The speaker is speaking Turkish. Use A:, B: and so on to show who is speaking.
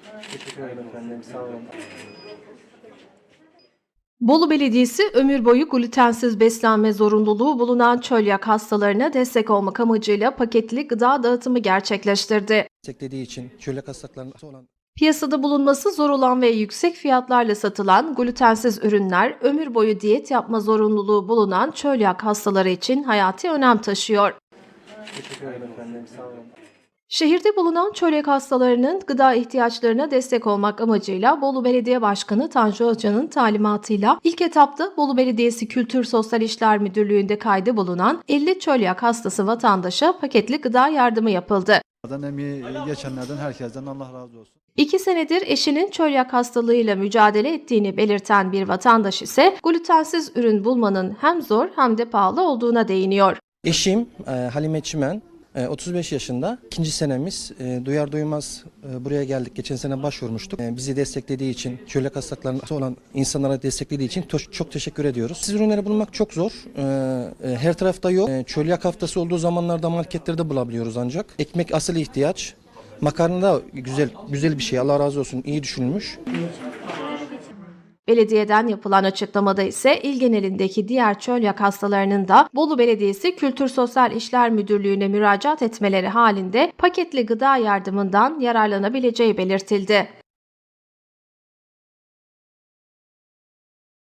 A: Teşekkür ederim efendim. Sağ olun.
B: Bolu Belediyesi ömür boyu glutensiz beslenme zorunluluğu bulunan çölyak hastalarına destek olmak amacıyla paketli gıda dağıtımı gerçekleştirdi.
A: Desteklediği için çölyak hastalıklarına olan
B: Piyasada bulunması zor olan ve yüksek fiyatlarla satılan glutensiz ürünler ömür boyu diyet yapma zorunluluğu bulunan çölyak hastaları için hayati önem taşıyor.
A: teşekkür ederim efendim. Sağ olun.
B: Şehirde bulunan çölyak hastalarının gıda ihtiyaçlarına destek olmak amacıyla Bolu Belediye Başkanı Tanju Özcan'ın talimatıyla ilk etapta Bolu Belediyesi Kültür Sosyal İşler Müdürlüğü'nde kaydı bulunan 50 çölyak hastası vatandaşa paketli gıda yardımı yapıldı.
C: Emeği geçenlerden herkesten Allah razı olsun.
B: 2 senedir eşinin çölyak hastalığıyla mücadele ettiğini belirten bir vatandaş ise glutensiz ürün bulmanın hem zor hem de pahalı olduğuna değiniyor.
A: Eşim Halime Çimen, 35 yaşında. İkinci senemiz duyar duymaz buraya geldik. Geçen sene başvurmuştuk. Bizi desteklediği için, çölyak hastalıklarında olan insanlara desteklediği için çok teşekkür ediyoruz. Siz ürünleri bulmak çok zor. Her tarafta yok. Çölyak haftası olduğu zamanlarda marketlerde bulabiliyoruz ancak. Ekmek asıl ihtiyaç. Makarna da güzel bir şey. Allah razı olsun. İyi düşünülmüş.
B: Belediyeden yapılan açıklamada ise il genelindeki diğer çölyak hastalarının da Bolu Belediyesi Kültür Sosyal İşler Müdürlüğü'ne müracaat etmeleri halinde paketli gıda yardımından yararlanabileceği belirtildi.